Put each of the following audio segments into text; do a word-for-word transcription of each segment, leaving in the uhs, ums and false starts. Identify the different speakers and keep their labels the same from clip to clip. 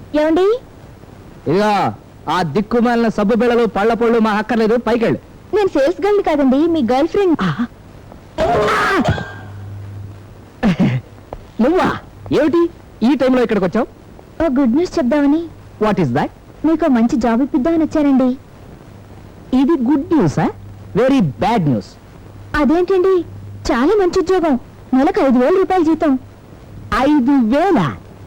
Speaker 1: ఏమండి?
Speaker 2: ఇదిగా ఆ దిక్కుమాలిన సబ్బు బిళ్ళలు పళ్ళ పళ్ళు మా అక్కర్లేదు, పైకెళ్ళు.
Speaker 1: నేను సేల్స్ గర్ల్ కాదండి, మీ గర్ల్ ఫ్రెండ్.
Speaker 2: నువ్వా? ఏమిటి ఈ టైంలో ఇక్కడికి వచ్చావు?
Speaker 1: ఓ గుడ్ న్యూస్ చెప్దామని.
Speaker 2: What is that?
Speaker 1: మీకు మంచి జాబ్ ఇప్పిద్దామని వచ్చానండి.
Speaker 2: ఇది గుడ్ న్యూసా వెరీ బ్యాడ్ న్యూస్?
Speaker 1: అదేంటండి, చాలా మంచి ఉద్యోగం, నెలకు ఐదు వేల రూపాయల జీతం.
Speaker 2: ఐదు వేల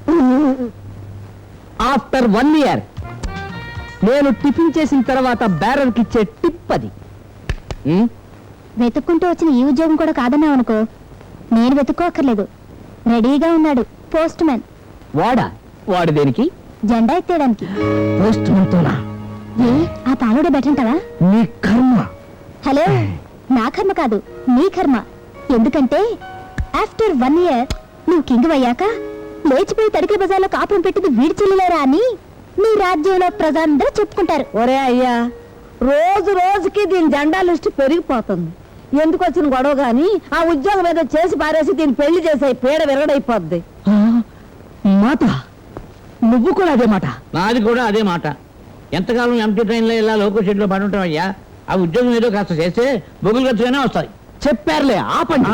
Speaker 2: ఆఫ్టర్ వన్ ఇయర్? నేను టిఫిన్ చేసిన తర్వాత బ్యారర్కి ఇచ్చే టిప్ అది. ఉమ్,
Speaker 1: వెతుక్కుంటూ వచ్చిన ఈ ఉద్యోగం కూడా కాదన్నావు అనుకో, నేను వెతుక్కోక్కర్లేదు, రెడీగా ఉన్నాడు పోస్ట్ మ్యాన్.
Speaker 2: వాడా? వాడు దేనికి?
Speaker 1: జెండా ఎత్తేయడానికి.
Speaker 2: పోస్ట్ మ్యాన్తోనా?
Speaker 1: ఏ ఆ పాలుడే బెటంటావా?
Speaker 2: నీ కర్మ.
Speaker 1: హలో, నా కర్మ కాదు, నీ కర్మ. ఎందుకంటే ఆఫ్టర్ వన్ ఇయర్ నువ్వు కింగ్ అయ్యాక లేచిపోయి తడికి బజార్లో కాపురం పెట్టింది వీడి చెల్లిలేరా అని నీ రాజ్యంలో ప్రజలందరూ చెప్పుకుంటారు.
Speaker 3: ఒరే అయ్యా, రోజు రోజుకి దీని జెండా లిస్టు పెరిగిపోతుంది. ఎందుకు వచ్చిన గొడవ గాని ఆ ఉద్యోగం ఏదో చేసి పారేసి దీన్ని పెళ్లి చేసే పీడ విరగడైపోద్ది.
Speaker 2: మాట నువ్వు కూడా అదే మాట?
Speaker 4: నాది కూడా అదే మాట. ఎంతకాలం ఎంటీ ట్రైన్లో ఇలా లోకల్ షెడ్లో పడి ఉంటాం అయ్యా. ఆ ఉద్యోగం ఏదో కాస్త చేస్తే బొగులు ఖర్చుగానే వస్తాయి.
Speaker 2: చెప్పారులే, ఆపండి.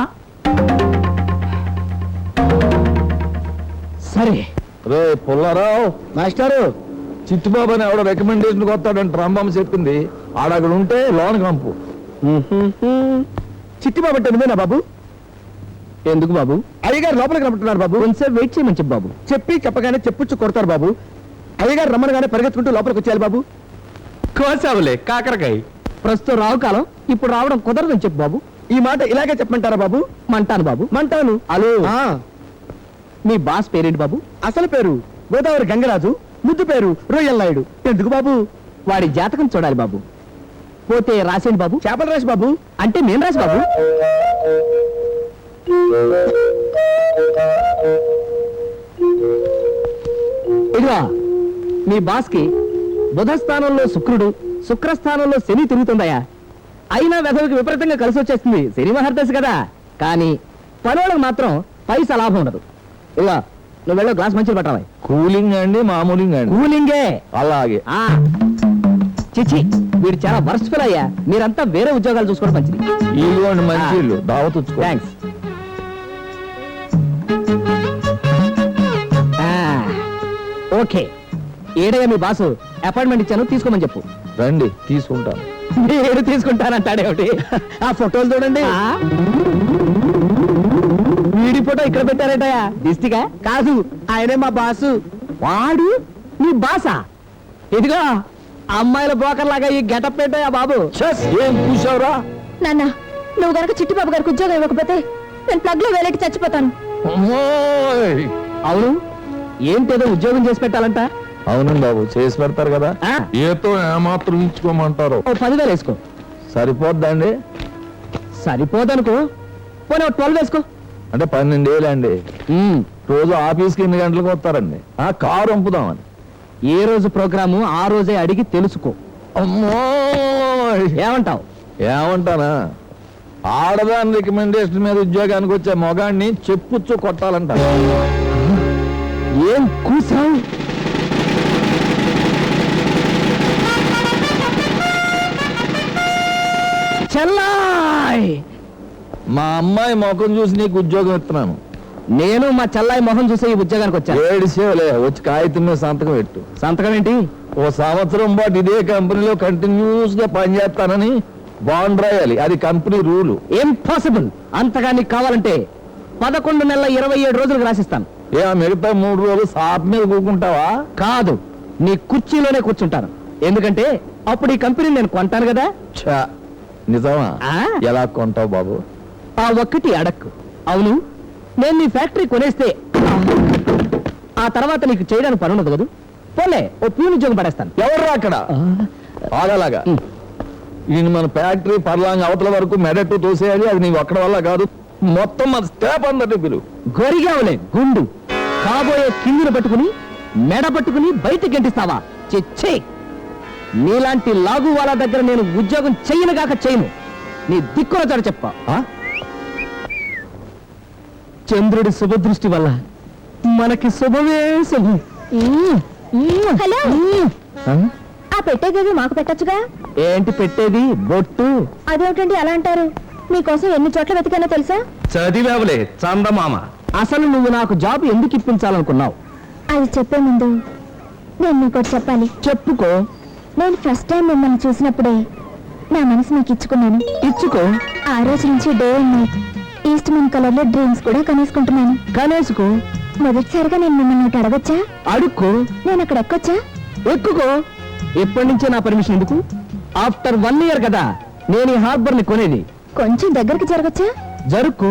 Speaker 2: సరే.
Speaker 5: రే పుల్లారావు మాస్టారు, చిట్టుబాబు అని ఎవడో రికమెండేషన్ వస్తాడంట రాంబాబు చెప్పింది. ఆడక్కడ ఉంటే లోన్ కంపు.
Speaker 2: చిట్టిబాబు అంటే నువ్వేనా బాబు? ఎందుకు బాబు? అయ్యగారు లోపలికి రమ్మంటున్నారు బాబు. కొంచెం వెయిట్ చేయమని చెప్పు బాబు. చెప్పి చెప్పగానే చెప్పుచ్చు కొడతారు బాబు. అయ్యగారు రమ్మనగానే పరిగెత్తుకుంటూ లోపలికి వచ్చేయాలి బాబు. కోసావులే కాకరకాయ. ప్రస్తుతం రావు కాలం, ఇప్పుడు రావడం కుదరదని చెప్పు బాబు. ఈ మాట ఇలాగే చెప్పమంటారా బాబు? మంటాను బాబు, మంటాను. హలో, మీ బాస్ పేరేంటి బాబు? అసలు పేరు గోదావరి గంగరాజు, ముద్దు పేరు రొయ్యల్ నాయుడు. ఎందుకు బాబు? వాడి జాతకం చూడాలి బాబు. పోతే రాసేంటి బాబు? చేపల రాసి బాబు. అంటే నేను రాసి బాబు. ఇదిగో మీ బాస్ కి బుధ స్థానంలో శుక్రుడు, శుక్రస్థానంలో శని తిరుగుతుందయా. అయినా వెధవికి విపరీతంగా కలిసి వచ్చేస్తుంది. శని మహర్దశ కదా. కానీ పనులకు మాత్రం పైసా లాభం ఉండదు. ఇలా నువ్వు వెళ్ళో గ్లాస్ మంచిగా పట్టాలి.
Speaker 5: కూలింగ్ అండి మామూలింగ్ అండి?
Speaker 2: కూలింగే.
Speaker 5: అలాగే.
Speaker 2: ఆ చిచి, వీడు చాలా వర్స్ట్ ఫెలో అయ్యా. మీరంతా వేరే ఉద్యోగాలు చూసుకోవడం మంచిది.
Speaker 5: ఇదిగోండి మంచి ఇల్లు, దావత్.
Speaker 2: థ్యాంక్స్. ఓకే, ఏడయ్యా మీ బాసు అపాయింట్మెంట్ ఇచ్చాను, తీసుకోమని చెప్పు.
Speaker 5: రండి తీసుకుంటాను.
Speaker 2: నేను తీసుకుంటానంటాడేమిటి? ఆ ఫోటోలు చూడండి. వీడి ఫోటో ఇక్కడ పెట్టారటయా? దిష్టిగా కాదు, ఆయనే మా బాసు. వాడు నీ బాసా? ఇదిగో అమ్మాయిల బ్రోకర్ లాగా ఈ గెటప్ పెట్టాయా బాబు.
Speaker 5: ఏం చూసావురా?
Speaker 1: నాన్న, నువ్వు గనక చిట్టిబాబు గారికి ఉద్యోగం ఇవ్వకపోతే నేను ప్లగ్ లో వేలెట్టి చచ్చిపోతాను.
Speaker 2: అవును, ఏంటేదో ఉద్యోగం చేసి పెట్టాలంట.
Speaker 5: అవునండి బాబు, చేసి పెడతారు కదా. ఏతో ఏమాత్రం ఇచ్చుకోమంటారు.
Speaker 2: ఓ పదివేలు వేసుకో.
Speaker 5: సరిపోద్దండి?
Speaker 2: సరిపోదనుకో, పోనీ ట్వెల్వ్ వేసుకో.
Speaker 5: అంటే పన్నెండు వేలు అండి. రోజు ఆఫీస్కి ఎన్ని గంటలకు వస్తారండి? ఆ కారు పంపుదామని.
Speaker 2: ఏ రోజు ప్రోగ్రాము ఆ రోజే అడిగి తెలుసుకో.
Speaker 5: అమ్మో,
Speaker 2: ఏమంటావు?
Speaker 5: ఏమంటానా, ఆడదాని రికమెండేషన్ మీద ఉద్యోగానికి వచ్చే మొగాడిని చెప్పుచ్చు కొట్టాలంట.
Speaker 2: ఏం కూసావు? చెల్లాయ్,
Speaker 5: మా అమ్మాయి ముఖం చూసి నీకు ఉద్యోగం ఇస్తున్నాను.
Speaker 2: నేను మా చెల్లాయి మొహం చూసే ఈ ఉద్యోగానికి వచ్చాను.
Speaker 5: ఏడిసేవలే, వచ్చి కాగితం మీద సంతకం పెట్టు.
Speaker 2: సంతకం ఏంటి?
Speaker 5: ఓ సంవత్సరం పాటు ఇదే కంపెనీలో కంటిన్యూస్ గా పనిచేస్తానని బాండ్ రాయాలి. అది కంపెనీ రూలు.
Speaker 2: ఇంపాసిబుల్. అంతగా నీకు కావాలంటే పదకొండు నెలల ఇరవై ఏడు రోజులకు రాసిస్తాను.
Speaker 5: ఏ మిగతా మూడు రోజులు సాప్ మీద కూకుంటావా?
Speaker 2: కాదు, నీ కుర్చీలోనే కూర్చుంటాను. ఎందుకంటే అప్పుడు ఈ కంపెనీ నేను కొంటాను కదా.
Speaker 5: ఛా, నిజమా? ఎలా కొంటావు బాబు?
Speaker 2: ఆ ఒక్కటి అడక్కు. అవును, నేను నీ ఫ్యాక్టరీ కొనేస్తే ఆ తర్వాత నీకు చేయడానికి పని ఉండదు కదా. పోలే, ఓ ప్యూన్ ఉద్యోగం పడేస్తాను.
Speaker 5: ఎవర్రా అక్కడ? ఆగలాగా ఈయన మన ఫ్యాక్టరీ పర్లాంగ్ అవతల వరకు మెడట్టు తోసేయాలి. అది నీవు అక్కడ వల్ల కాదు, మొత్తం మన స్టాఫ్ అందరినీ పిలువు.
Speaker 2: గొరిగావులే గుండు. కాబోయే కిందిని పట్టుకుని మెడ పట్టుకుని బయటికి గంటిస్తావా? చెచ్చే, నీలాంటి లాగు వాళ్ళ దగ్గర నేను ఉద్యోగం చెయ్యనుగాక చేయను. నీ దిక్కున చాడు చెప్ప. చంద్రుడి శుభదృష్టి వల్ల మనకి శుభమే శుభం.
Speaker 1: హలో ఆ పెట్టేదేవి మాకు పెట్టొచ్చుగా.
Speaker 2: ఏంటి పెట్టేది? బొట్టు.
Speaker 1: అదేమిటండి అలా అంటారు? మీకోసం ఎన్ని చోట్ల వెతికానో తెలుసా?
Speaker 5: చదివావులే చందమామ.
Speaker 2: అసలు నువ్వు నాకు జాబ్ ఎందుకు ఇప్పించాలనుకున్నావు?
Speaker 1: అది చెప్పే ముందు నేను మీకోటి చెప్పాలి.
Speaker 2: చెప్పుకో.
Speaker 1: నేను ఫస్ట్ టైం మిమ్మల్ని చూసినప్పుడే నా మనసు మీకు ఇచ్చుకున్నాను.
Speaker 2: ఇచ్చుకో.
Speaker 1: ఆ రోజు నుంచి day and night Eastman colour లో డ్రీమ్స్ కూడా కనేసుకుంటున్నాను.
Speaker 2: కనేసుకో.
Speaker 1: మొదటిసారిగా నేను మిమ్మల్ని ఒకటి అడగొచ్చా?
Speaker 2: అడుక్కో.
Speaker 1: నేను అక్కడ ఎక్కొచ్చా?
Speaker 2: ఎక్కుకో. ఎప్పటి నుంచే నా పర్మిషన్ ఎందుకు? ఆఫ్టర్ వన్ ఇయర్ కదా నేను ఈ హార్బర్ ని కొనేది.
Speaker 1: కొంచెం దగ్గరికి జరగచ్చా?
Speaker 2: జరుక్కో.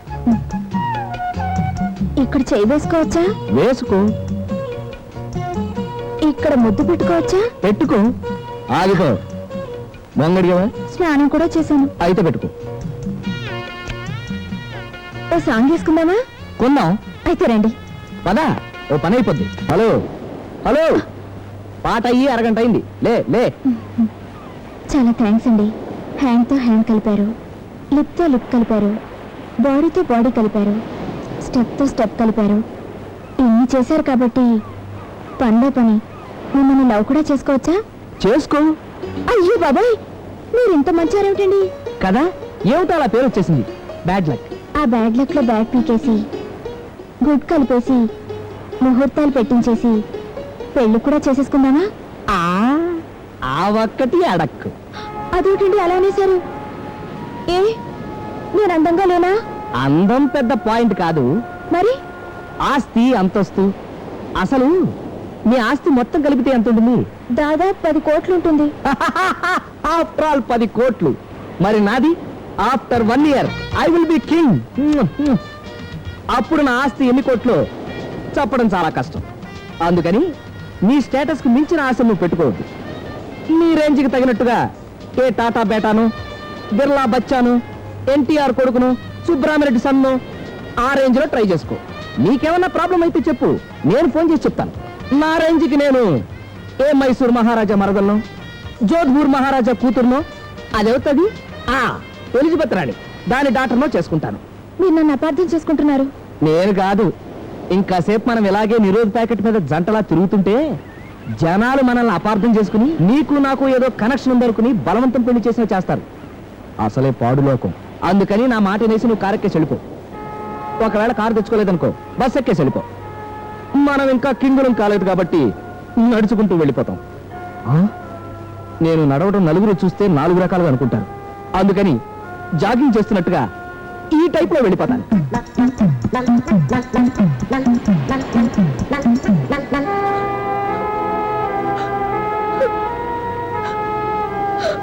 Speaker 1: ఇక్కడ చేయి వేసుకోవచ్చా?
Speaker 2: వేసుకో.
Speaker 1: ఇక్కడ ముద్దు పెట్టుకోవచ్చా?
Speaker 2: పెట్టుకో. ఆగిపో. మొంగడిగా
Speaker 1: స్నానం కూడా చేశాను.
Speaker 2: అయితే పెట్టుకో.
Speaker 1: ఓ సాంగ్ వేసుకుందామా?
Speaker 2: కొందాం.
Speaker 1: అయితే రండి.
Speaker 2: పదా, ఓ పని అయిపోద్ది. హలో హలో, పాట అయ్యి అరగంట అయింది. లే లే.
Speaker 1: చాలా థ్యాంక్స్ అండి. హ్యాండ్ తో హ్యాండ్ కలిపారు, లిప్ తో లిప్ కలిపారు, బాడీతో బాడీ కలిపారు, స్టెప్ తో స్టెప్ కలిపారు. ఇన్ని చేశారు కాబట్టి పనిలో పని మిమ్మల్ని లవ్ కూడా చేసుకోవచ్చా?
Speaker 2: చేసుకో.
Speaker 1: అయ్యో బాబాయ్, మీరు ఇంత మంచారేమిటండి?
Speaker 2: కదా, ఏమిటో అలా పేరు వచ్చేసింది. Bad luck.
Speaker 1: ఆ బ్యాడ్ లక్ లో బ్యాడ్ పీకేసి గుడ్ కలిపేసి ముహూర్తాలు పెట్టించేసి పెళ్లి కూడా చేసేసుకుందామా?
Speaker 2: ఆ ఆ ఒక్కటి అడక్కు.
Speaker 1: అదేమిటండి అలా అనేశారు? ఏ నేను అందంగా లేనా?
Speaker 2: అందం పెద్ద పాయింట్ కాదు,
Speaker 1: మరి
Speaker 2: ఆస్తి అంతస్తు. అసలు మీ ఆస్తి మొత్తం కలిపితే ఎంత ఉంటుంది?
Speaker 1: దాదాపు పది కోట్లు ఉంటుంది.
Speaker 2: ఆఫ్టర్ ఆల్ పది కోట్లు. మరి నాది after one year I will be king. అప్పుడు నా ఆస్తి ఎన్ని కోట్లు చెప్పడం చాలా కష్టం. అందుకని నీ స్టేటస్ కు మించిన ఆశ నువ్వు పెట్టుకోవద్దు. నీ రేంజ్కి తగినట్టుగా ఏ టాటా బేటాను, బిర్లా బచ్చాను, ఎన్టీఆర్ కొడుకును, సుబ్రహ్మరెడ్డి సన్ను ఆ రేంజ్ లో ట్రై చేసుకో. నీకేమన్నా ప్రాబ్లం అయితే చెప్పు, నేను ఫోన్ చేసి చెప్తాను. నా రేంజ్కి నేను ఏ మైసూర్ మహారాజా మరదలను, జోధ్పూర్ మహారాజా కూతురునో, అదవుతుంది ఆ ఎలిజబెత్ రాణి దాని డాక్టర్నో చేసుకుంటాను.
Speaker 1: మీరు నన్ను అపార్థం చేసుకుంటున్నారు.
Speaker 2: నేను కాదు, ఇంకాసేపు మనం ఇలాగే నిరోధ ప్యాకెట్ మీద జంటలా తిరుగుతుంటే జనాలు మనల్ని అపార్థం చేసుకుని నీకు నాకు ఏదో కనెక్షన్ ఉందనుకుని బలవంతం పెళ్లి చేసినా చేస్తారు. అసలే పాడు లోకం. అందుకని నా మాట వేసి నువ్వు కారు ఎక్కేసి వెళ్ళిపో. ఒకవేళ కారు తెచ్చుకోలేదనుకో బస్ ఎక్కేసి వెళ్ళిపో. మనం ఇంకా కింగులం కాలేదు కాబట్టి నడుచుకుంటూ వెళ్ళిపోతాం. ఆ? నేను నడవడం నలుగురు చూస్తే నాలుగు రకాలుగా అనుకుంటారు. అందుకని జాగింగ్ చేస్తున్నట్టుగా ఈ టైప్ లో వెళ్ళిపోతాను.